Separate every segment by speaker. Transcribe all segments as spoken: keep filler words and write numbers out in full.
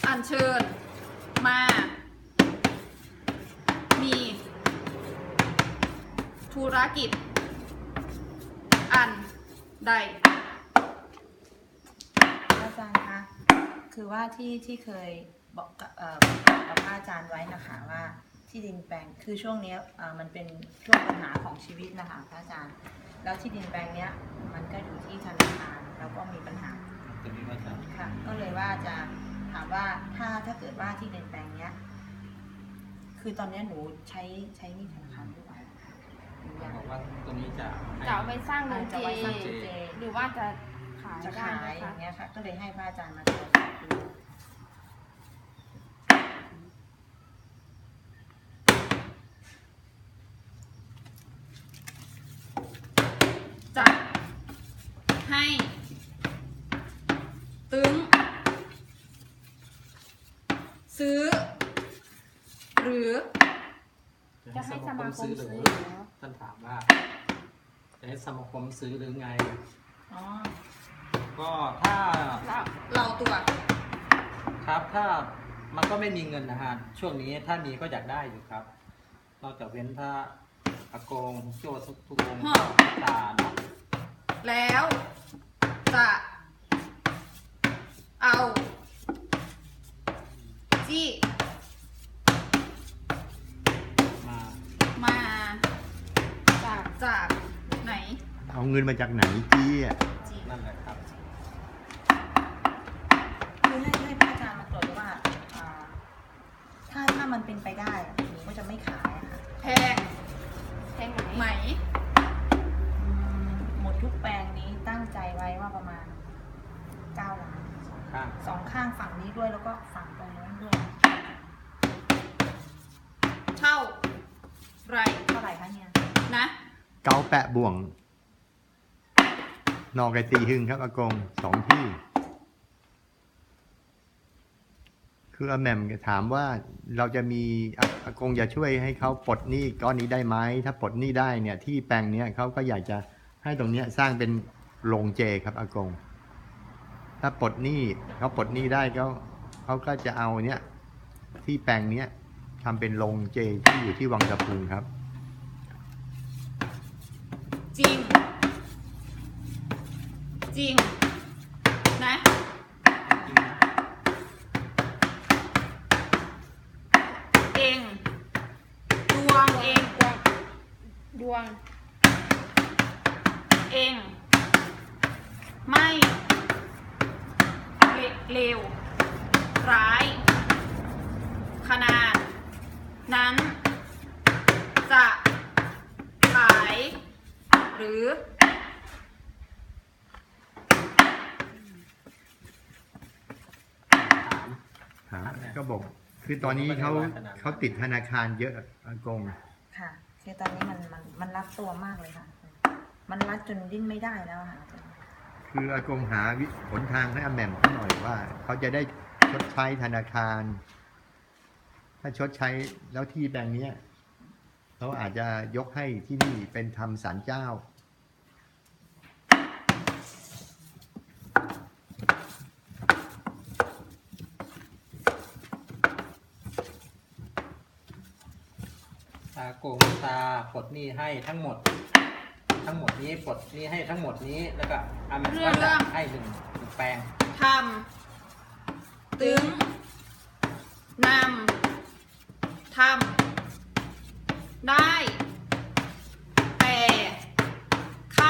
Speaker 1: อัญเชิญมามีธุรกิจอันใด
Speaker 2: อาจารย์คะคือว่าที่ที่เคยบอกกับเอ่อกับพระอาจารย์ไว้นะคะว่าที่ดินแปลงคือช่วงนี้เอ่อมันเป็นช่วงปัญหาของชีวิตนะคะพระอาจารย์แล้วที่ดินแปลงเนี้ยมันก็อยู่ที่ธนาคารแล้วก็มีปัญหาค่ะก็เลยว่าจะถามว่าถ้าถ้าเกิดว่าที่ดินแปลงเนี้ยคือตอนนี้หนูใช้ใช้หนี้ธนาคารด้วยหนูอยาก
Speaker 3: บอกว่าตัวนี้จะให้
Speaker 4: จะเอาไปสร้างโรง
Speaker 2: จะ
Speaker 4: เจ
Speaker 2: ไว้สร้างเจ
Speaker 4: หรือว่าจะขาย
Speaker 2: จะ
Speaker 4: ได้
Speaker 2: ขาย
Speaker 4: ไหม
Speaker 2: อ
Speaker 4: คะ
Speaker 2: ย่างเงี้ยค่ะก็เลยให้พระอาจารย์มาตรวจสอบดู
Speaker 1: จะให้ตึงซื้อหรือ
Speaker 4: จะให้สมาคมซื้อ
Speaker 3: หรื
Speaker 4: เหรอ
Speaker 3: ท่านถามว่าจะให้สมาคมซื้อหรือไง
Speaker 2: อ๋อ
Speaker 3: ก็ถ้า
Speaker 1: เราเราตัว
Speaker 3: ครับถ้ามันก็ไม่มีเงินนะฮะช่วงนี้ถ้ามีก็อยากได้อยู่ครับนอกจากเว้นถ้าอากงโจ้ทุกทุกองค์ตาเนาะ
Speaker 1: แล้วจะเอาจี้
Speaker 3: มา
Speaker 1: มา
Speaker 4: จาก
Speaker 1: จากไหน
Speaker 5: เอาเงินมาจากไหนจี้อ่ะ
Speaker 1: จี้
Speaker 3: นั่นแหละครับ
Speaker 2: คือให้ให้พระอาจารย์มาตรวจดูว่าอ่าถ้าถ้ามันเป็นไปได้อะหนูก็จะไม่ขายอะค่ะ
Speaker 1: แพง
Speaker 4: แท่งไหน
Speaker 1: ไหม
Speaker 2: อืมหมดทุกแปลงนี้ตั้งใจไว้ว่าประมาณเก้าล้าน
Speaker 3: ข้าง
Speaker 2: สองข้างฝั่งนี้ด้วยแล้วก็ฝั่งตรงนู้นด้วย
Speaker 1: เท่าไร
Speaker 2: เท่าไหร่คะเนี่ย
Speaker 1: นะ
Speaker 5: เกาแปะบ่วง นอกไอตีหึงครับอากงสองที่ คืออาแหม่มถามว่าเราจะมีอาอากงจะช่วยให้เขาปลดหนี้ก้อนนี้ได้ไหมถ้าปลดหนี้ได้เนี่ยที่แปลงเนี้ยเขาก็อยากจะให้ตรงเนี้ยสร้างเป็นโรงเจครับอากง ถ้าปลดหนี้เขาปลดหนี้ได้เขาเขาก็จะเอาเนี้ยที่แปลงเนี้ยทำเป็นโรงเจที่อยู่ที่วังตะพุงครับ
Speaker 1: จริง จริง นะ
Speaker 3: จริงนะ
Speaker 1: เองดวงเอง
Speaker 4: ดวงดวง
Speaker 1: เอง ไม่เลเลวร้าย ขนาด นั้น จะขาย หรือ
Speaker 3: ถาม
Speaker 5: หาก็บอก คือตอนนี้เขาเขาติดธนาคารเยอะอากง
Speaker 2: ค่ะคือตอนนี้มันมันมันรัดตัวมากเลยค่ะ มันรัดจนดิ้นไม่ได้แล้วอะค่ะ
Speaker 5: คืออากงหาวิหนทางให้อาแหม่มเขาหน่อยว่า เขาจะได้ชดใช้ธนาคาร ถ้าชดใช้แล้วที่แปลงเนี้ยเขาอาจจะยกให้ที่นี่เป็นทำศาลเจ้า
Speaker 3: ตาโกงตาปลดหนี้ให้ทั้งหมด ทั้งหมดนี้ปลดหนี้ให้ทั้งหมดนี้แล้วก็อามันก็จะให้หนึ่งหนึ่งแปลง
Speaker 1: ทำ ตึง นำ ทำ ได้ แต่ ค่า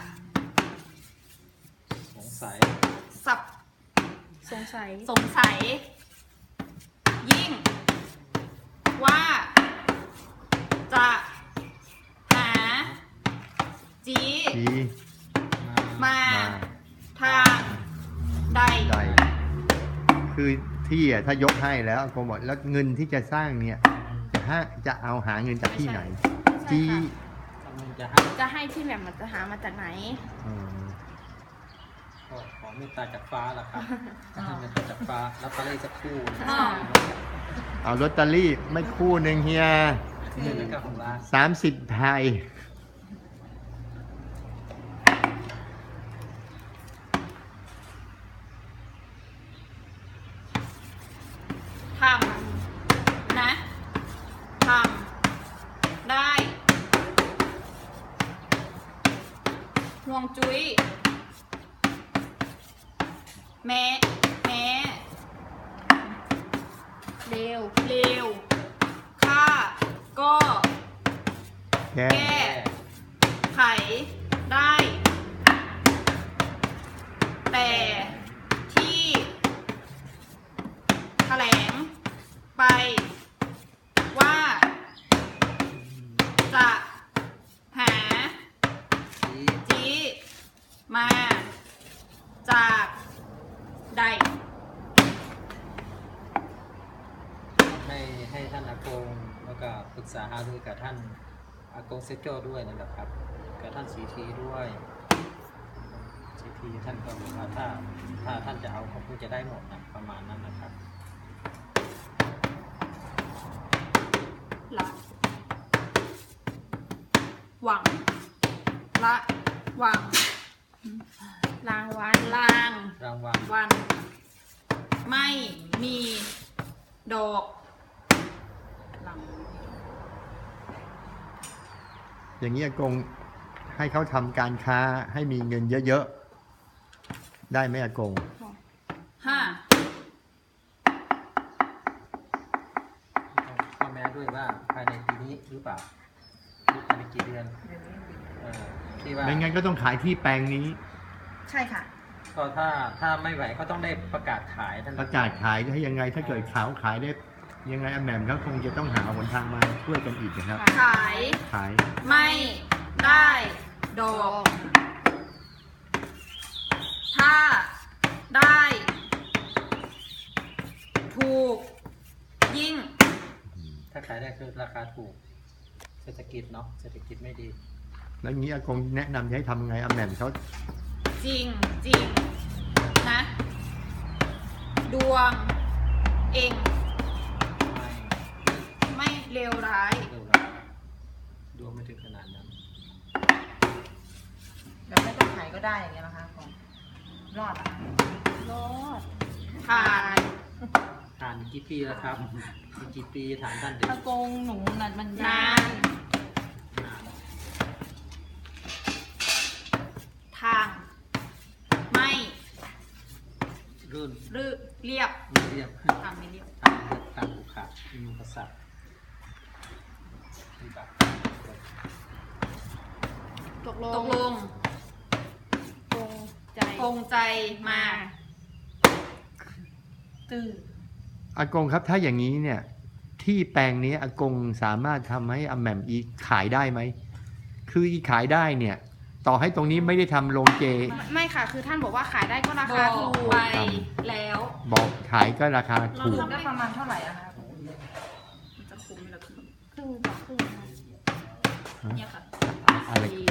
Speaker 3: สงสัย
Speaker 1: สับ
Speaker 4: สงสัย
Speaker 1: สงสัย ยิ่ง ว่า จะ หา จี
Speaker 5: ที
Speaker 1: มา
Speaker 5: มา
Speaker 1: ทางใด
Speaker 5: ใดคือที่อ่ะถ้ายกให้แล้วอากงบอกแล้วเงินที่จะสร้างเนี่ย จะหาจะเอาหาเงินจากที่ไหน
Speaker 4: ใช่
Speaker 5: จี
Speaker 4: ค่ะ
Speaker 3: กำลังจะให้
Speaker 4: จะให้ที่แบบมันจะหามาจากไหน
Speaker 5: อืม
Speaker 3: ก็ขอเมตตาจากฟ้าละครับให้เมตตาจากฟ้าแล้วก็เลยสักครู่นะ
Speaker 1: อ๋อ
Speaker 5: เอาลอตเตอรี่ไม่คู่หนึ่งเฮีย
Speaker 3: ที่หนึ่งนะครับของร้าน
Speaker 5: สามสิบไทย
Speaker 1: ห่วงจุ้ยแม้แม้
Speaker 4: เร็ว
Speaker 1: เลวข้าก็
Speaker 5: แก้
Speaker 1: แก้ไขได้ แต่ที่แถลงไปว่า จะหา
Speaker 3: ชี้
Speaker 1: จีมาจากใด
Speaker 3: ให้ให้ท่านอากงแล้วก็ปรึกษาหารือกับท่านอากงเซโจด้วยนั่นแหละครับกับท่านสีทีด้วยสีทีท่านก็บอกว่าถ้าถ้าท่านจะเอาเขาคงจะได้หมดนะประมาณนั้นนะครับ
Speaker 1: ละหวังละหวัง
Speaker 4: รางวัล
Speaker 1: ลาง
Speaker 3: รางวัล
Speaker 1: วัน ไม่มีดอกหลัง
Speaker 5: อย่างนี้อากงให้เขาทำการค้าให้มีเงินเยอะๆ ได้ไหมอากง
Speaker 1: ห้า
Speaker 3: ข้อแม้ด้วยว่าภายในปีนี้หรือเปล่าหรือภายในกี่เดือนเออที่ว่า
Speaker 5: ไม่งั้นก็ต้องขายที่แปลงนี้
Speaker 2: ใช่ค่ะ
Speaker 3: ก็ถ้าถ้าไม่ไหวก็ต้องได้ประกาศขายท่าน
Speaker 5: ประกาศขายให้ยังไงถ้าเกิดขาวขายได้ยังไงอาแหม่มเขาคงจะต้องหาหนทางมาช่วยกันอีกนะครับ
Speaker 1: ขาย
Speaker 5: ขาย
Speaker 1: ไม่ได้ดอก ถ้าได้ ถูก ยิ่ง
Speaker 3: ถ้าขายได้คือราคาถูก เศรษฐกิจเนาะเศรษฐกิจไม่ดี
Speaker 5: แล้วงี้อากงแนะนำจะให้ทำไงอาแหม่มเขา
Speaker 1: จริงจริงนะ ดวง เอง
Speaker 3: ไม่
Speaker 1: ไม่เลวร้าย
Speaker 3: เร็วร้ายดวงไม่ถึงขนาดนั้น
Speaker 2: แบบไม่ต้องขายก็ได้อย่างเงี้ยนะคะของรอดอะคะ
Speaker 4: รอด
Speaker 1: ผ่าน
Speaker 3: ฐานกี่ปีแล้วครับอีกกี่ปีฐานท่านเด็ก
Speaker 2: อากงหนูน่ะมัน
Speaker 1: นาน
Speaker 3: นาน
Speaker 1: ทาง ไม่
Speaker 3: รุ่น
Speaker 1: รืเรียบ
Speaker 3: ไม่เรียบ
Speaker 1: ทางไม่เรียบ
Speaker 3: ทางเรียบทางผูกขาดมีอุปสรรคมีแบบ
Speaker 4: ตกล
Speaker 1: ต
Speaker 4: ง
Speaker 1: กลง
Speaker 4: ตรงใจ
Speaker 1: คงใจมา
Speaker 2: ตื้อ
Speaker 5: อากงครับถ้าอย่างนี้เนี่ยที่แปลงนี้อากงสามารถทำให้อาแหม่มอีขายได้ไหมคืออีขายได้เนี่ยต่อให้ตรงนี้ไม่ได้ทำโรงเจ
Speaker 4: ไม่ไม่ค่ะ คือท่านบอกว่าขายได้ก็รา
Speaker 1: บ
Speaker 4: คา
Speaker 1: อก
Speaker 4: ถูก
Speaker 1: ไปแล้ว
Speaker 5: บอกขายก็ราคาถูก
Speaker 2: ทำได้ประมาณเท่าไหร่อะคะ
Speaker 1: มันจะคุ้มไหมล่ะคุณ
Speaker 4: ครึ่งต่อครึ่งนะ
Speaker 1: เนี่ยค่ะ
Speaker 5: อะไร
Speaker 1: สี่